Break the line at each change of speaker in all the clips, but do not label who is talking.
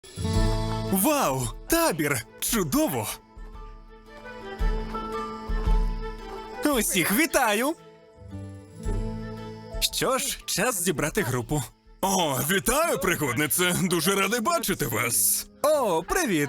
Вау! Табір! Чудово! Усіх вітаю! Що ж, час зібрати групу.
О, вітаю, пригоднице! Дуже радий бачити вас.
О, привіт!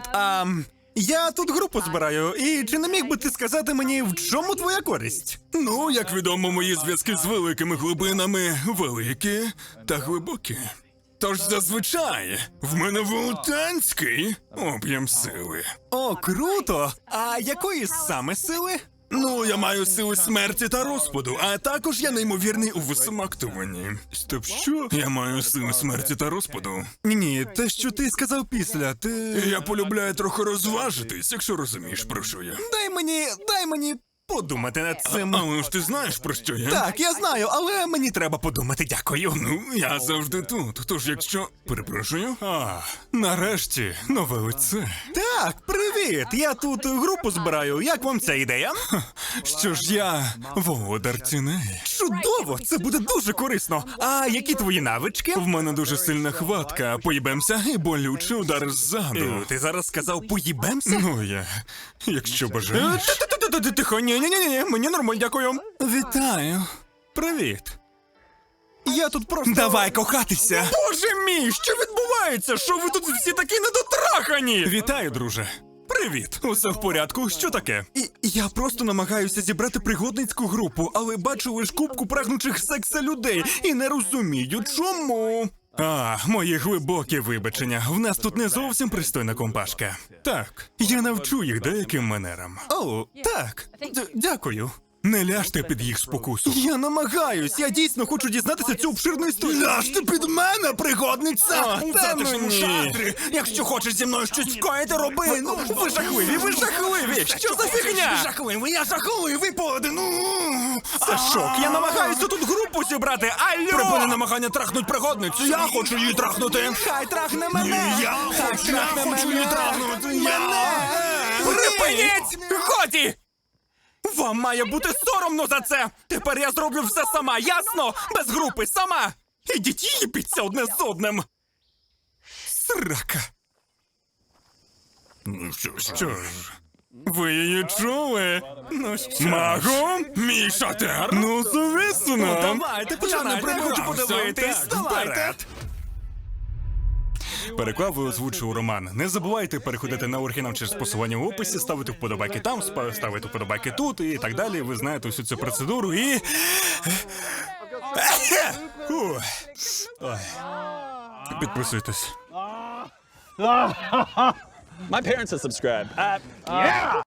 Я тут групу збираю, і чи не міг би ти сказати мені, в чому твоя користь?
Ну, як відомо, мої зв'язки з великими глибинами великі та глибокі. Тож зазвичай в мене велетенський об'єм сили.
О, круто! А якої саме сили?
Ну, я маю сили смерті та розпаду, а також я неймовірний у висамактуванні. Стоп, що? Я маю сили смерті та розпаду.
Ні, те, що ти сказав після, ти...
Я полюбляю трохи розважитись, якщо розумієш, про що я.
Дай мені подумати над цим.
Але ж ти знаєш, про що я?
Так, я знаю, але мені треба подумати, дякую.
Ну, я завжди тут, тож якщо... Перепрошую?
Нарешті, нове лице. Так, привіт! Я тут групу збираю. Як вам ця ідея?
Що ж я володар тіней.
Чудово! Це буде дуже корисно. А які твої навички?
В мене дуже сильна хватка, поїбемся і болючий удар ззаду.
Ти зараз сказав поїбемся?
Ну, якщо бажаєш.
Тихо, ні, мені нормально, дякую.
Вітаю.
Привіт. Я тут просто...
Давай кохатися.
Боже мій, що відбувається? Що ви тут всі такі недотрахані?
Вітаю, друже.
Привіт.
Усе в порядку? Що таке?
Я просто намагаюся зібрати пригодницьку групу, але бачу лиш купку прагнучих секса людей і не розумію, чому.
Мої глибокі вибачення. В нас тут не зовсім пристойна компашка. Так, я навчу їх деяким манерам.
О, так. Дякую.
Не ляжте під їх спокусу.
Я намагаюсь, я дійсно хочу дізнатися цю обширну історію.
Ляжте під мене, пригодниця!
У затишному шатрі! Якщо хочеш зі мною щось скоїти, роби! Ну, ви жахливі! Що за фігня?
Я жахливий поодину!
Це шок, я намагаюся тут групу зібрати, алло!
Припини намагання трахнуть пригодницю, я хочу її трахнути!
Хай трахне мене!
Я хочу її трахнути!
Припиніть! Годі! Вам має бути соромно за це! Тепер я зроблю все сама, ясно? Без групи, сама! Ідіть їбіться одне з одним! Срака!
Ну що ж, ви її чули?
Ну що?
Магу? Мій шатер?
Ну, звісно!
Ну,
Давайте, починайте, я хочу подивитись!
Так,
Давайте!
вперед.
Переклав і озвучив Роман. Не забувайте переходити на оригінал через посилання в описі, ставити вподобайки там, ставити вподобайки тут і так далі. Ви знаєте всю цю процедуру і... Ой. Підписуйтесь.
My parents have subscribed. Yeah!